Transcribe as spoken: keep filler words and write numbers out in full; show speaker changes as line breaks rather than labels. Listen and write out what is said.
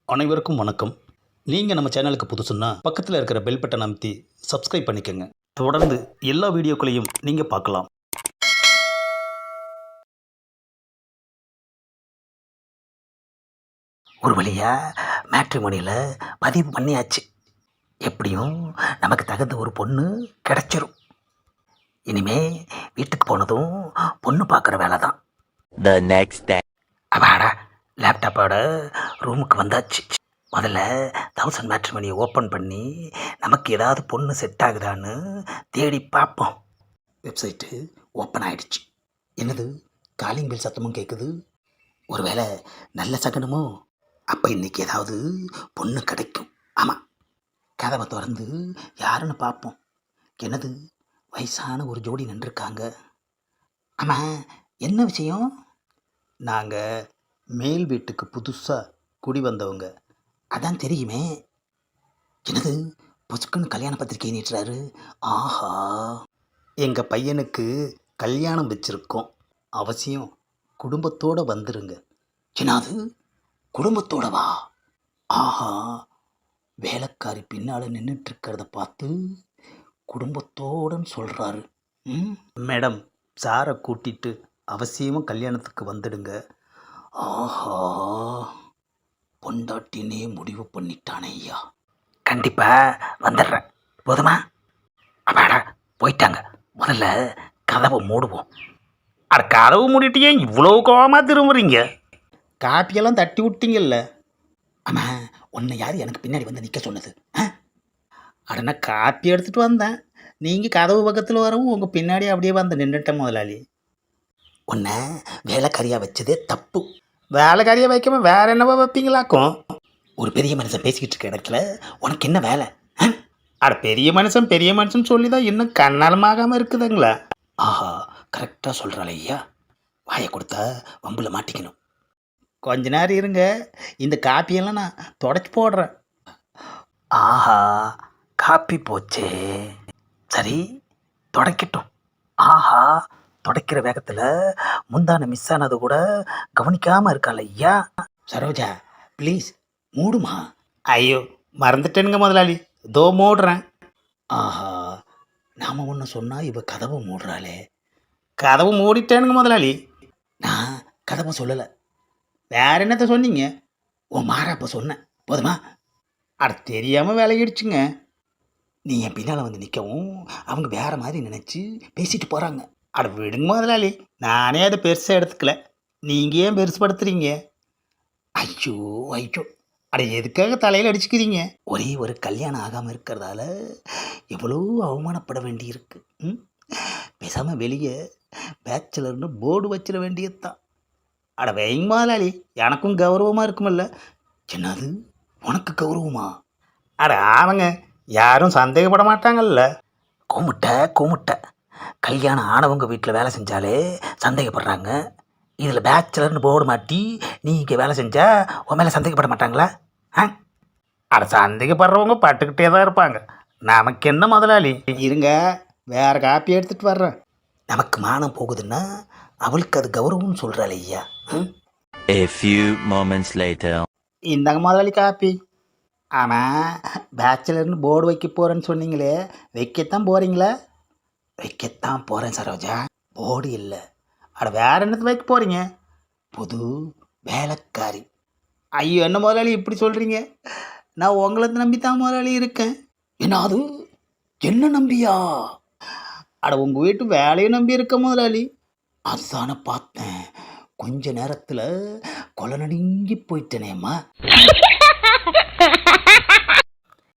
அனைவருக்கும் வணக்கம். நீங்கள் நம்ம சேனலுக்கு புதுசுன்னா பக்கத்தில் இருக்கிற பெல் பட்டன் அமைத்தி சப்ஸ்கிரைப் பண்ணிக்கோங்க. தொடர்ந்து எல்லா வீடியோக்களையும் நீங்கள் பார்க்கலாம்.
ஒரு வழியாக மேட்ரிமோனியில் பதிவு பண்ணியாச்சு. எப்படியும் நமக்கு தகுந்த ஒரு பொண்ணு கிடச்சிரும். இனிமே வீட்டுக்கு போனதும் பொண்ணு பார்க்குற வேலை தான்.
The next day.
அப்பாடா, லேப்டாப்போட ரூமுக்கு வந்தாச்சு. முதல்ல தௌசண்ட் மேட்ரிமோனியை ஓப்பன் பண்ணி நமக்கு ஏதாவது பொண்ணு செட் ஆகுதான்னு தேடி பார்ப்போம். வெப்சைட்டு ஓப்பன் ஆகிடுச்சு. என்னது, காலிங் பெல் சத்தமும் கேட்குது. ஒருவேளை நல்ல சகனமோ? அப்போ இன்றைக்கி ஏதாவது பொண்ணு கிடைக்கும். ஆமாம், கதவை திறந்து யாருன்னு பார்ப்போம். என்னது, வயசான ஒரு ஜோடி நின்றுருக்காங்க. ஆமாம், என்ன விஷயம்?
நாங்கள் மேல் வீட்டுக்கு புதுசாக குடி வந்தவங்க.
அதான் தெரியுமே. என்னது, பொசுக்குன்னு கல்யாண பத்திரிக்கை நீட்டுறாரு. ஆஹா,
எங்கள் பையனுக்கு கல்யாணம் வச்சுருக்கோம், அவசியம் குடும்பத்தோடு வந்துருங்க.
என்னது, குடும்பத்தோடவா? ஆஹா, வேலைக்காரி பின்னால் நின்றுட்டுருக்கிறத பார்த்து குடும்பத்தோடன்னு சொல்கிறாரு. ம்,
மேடம், சாரை கூட்டிட்டு அவசியமாக கல்யாணத்துக்கு வந்துடுங்க.
ஆஹா, பொண்டாட்டினே முடிவு பண்ணிட்டானே ஐயா. கண்டிப்பாக வந்துடுறேன். போதுமா? அப்பாடா, போயிட்டாங்க. முதல்ல கதவை மூடுவோம்.
அட, கதவு மூடிட்டியே இவ்வளோ கோவமாக திரும்புறீங்க? காப்பியெல்லாம் தட்டி விட்டீங்கல்ல.
ஆமாம், உன்னை யார் எனக்கு பின்னாடி வந்து நிற்க சொன்னது? ஆ,
அட, நான் காப்பி எடுத்துகிட்டு வந்தேன். நீங்கள் கதவு பக்கத்தில் வரவும் உங்கள் பின்னாடி அப்படியே வந்து நின்றுட்டேன் முதலாளி.
உன்னை வேலைக்காரியாக வச்சதே தப்பு.
வேலைக்காரியை வைக்காம வேற என்னவா வைப்பீங்களாக்கும்?
ஒரு பெரிய மனுஷன் பேசிக்கிட்டு இருக்க இடத்துல உனக்கு என்ன வேலை? ஆ?
அட, பெரிய மனுஷன் பெரிய மனுஷன் சொல்லி தான் இன்னும் கண்ணாலமாகாமல் இருக்குதுங்களா?
ஆஹா, கரெக்டாக சொல்கிறாள் ஐயா. வாயை கொடுத்தா வம்பில் மாட்டிக்கணும்.
கொஞ்ச நேரம் இருங்க, இந்த காப்பியெல்லாம் நான் தொடச்சி போடுறேன்.
ஆஹா, காப்பி போச்சே. சரி, தொடக்கட்டும். ஆஹா, தொடக்கிற வேகத்தில் முந்தான மிஸ் ஆனது கூட கவனிக்காமல் இருக்காள் ஐயா. சரோஜா, ப்ளீஸ் மூடுமா.
ஐயோ, மறந்துட்டேனுங்க முதலாளி, தோ மூடுறேன்.
ஆஹா, நாம் ஒன்று சொன்னால் இவ கதவை மூடுறாளே.
கதவு மூடிட்டேனுங்க முதலாளி.
நான் கதவை சொல்லலை,
வேற என்னத்த சொன்னீங்க?
உன் மாறாப்ப சொன்னேன். போதுமா?
அட, தெரியாமல் விலகிடுச்சுங்க.
நீ என் பின்னால் வந்து நிற்கவும் அவங்க வேறு மாதிரி நினச்சி பேசிட்டு போகிறாங்க.
அட, விடுங்க முதலாளி, நானே அதை பெருசாக எடுத்துக்கல. நீங்கள் ஏன் பெருசுப்படுத்துறீங்க?
ஐயோ ஐயோ,
அட, எதுக்காக தலையில் அடிச்சுக்கிறீங்க?
ஒரே ஒரு கல்யாணம் ஆகாமல் இருக்கிறதால எவ்வளோ அவமானப்பட வேண்டியிருக்கு. ம், பேசாமல் வெளியே பேச்சுலர்னு போர்டு வச்சிட வேண்டியது தான்.
அட, வைங்க முதலாளி, எனக்கும் கௌரவமாக இருக்குமில்ல.
என்னது, உனக்கு கௌரவமா?
அட ஆமாங்க, யாரும் சந்தேகப்பட மாட்டாங்கல்ல.
கூமுட்டை கூமுட்டை, கல்யாணம் ஆனவங்க வீட்டில் வேலை செஞ்சாலே சந்தேகப்படுறாங்க. இதில் பேச்சுலர்னு போர்டு மாட்டி நீ இங்கே வேலை செஞ்சா உன் மேலே சந்தேகப்பட மாட்டாங்களா? ஆ,
அட, சந்தேகப்படுறவங்க பட்டுக்கிட்டே தான் இருப்பாங்க. நமக்கு என்ன முதலாளி? இருங்க, வேறு காப்பி எடுத்துகிட்டு வர்றேன்.
நமக்கு மானம் போகுதுன்னா அவளுக்கு அது கௌரவம்னு சொல்கிறாள் ஐயா. ம்,
A few moments later.
இந்தாங்க முதலாளி காப்பி. ஆமாம், பேச்சுலர்னு போர்டு வைக்க போகிறேன்னு சொன்னீங்களே, வைக்கத்தான் போகிறீங்களா?
வைக்கத்தான் போகிறேன் சரோஜா. போர்டு இல்லை.
அட, வேற என்னத்து வைக்க போகிறீங்க?
புது வேலைக்காரி.
ஐயோ, என்ன முதலாளி இப்படி சொல்கிறீங்க? நான் உங்களை நம்பி தான் முதலாளி இருக்கேன்.
என்னது, என்ன நம்பியா?
அட, உங்கள் வீட்டு வேலையை நம்பி இருக்க முதலாளி.
அதுதானே பார்த்தேன். கொஞ்ச நேரத்தில் கொலை நடுங்கி போயிட்டேனேம்மா.